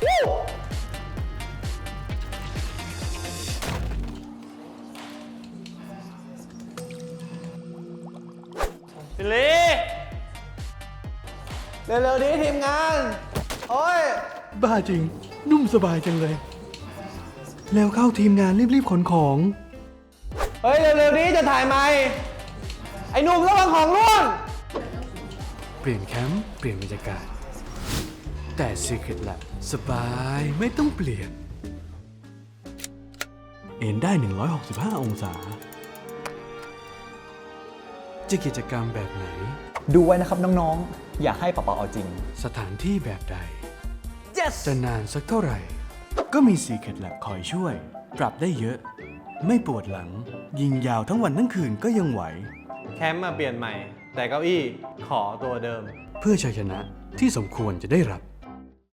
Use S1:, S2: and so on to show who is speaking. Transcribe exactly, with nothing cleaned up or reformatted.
S1: สิลีเร็วๆนี้ทีมงาน โอ้ย
S2: บ้าจริง นุ่มสบายจังเลย แล้วเข้าทีมงานรีบๆขนของ
S1: เฮ้ย เร็วๆนี้จะถ่ายไหมไอ้หนุ่มระวังของร่วง
S2: เปลี่ยนแคมป์เปลี่ยนบรรยากาศ แต่ Secret Lab สบายไม่ต้องเปลี่ยน เอนได้ หนึ่งร้อยหกสิบห้า องศา จะกิจกรรมแบบไหน
S3: ดูไว้นะครับน้องๆ อย่าให้ปะปะเอาจริง
S2: สถานที่แบบใด
S1: yes
S2: จะนานสักเท่าไหร่ ก็มี Secret Lab คอยช่วย ปรับได้เยอะ ไม่ปวดหลัง ยิงยาวทั้งวันทั้งคืนก็ยังไหว
S1: แคมป์มาเปลี่ยนใหม่ แต่เก้าอี้ขอตัวเดิม
S2: เพื่อชัยชนะที่สมควรจะได้รับ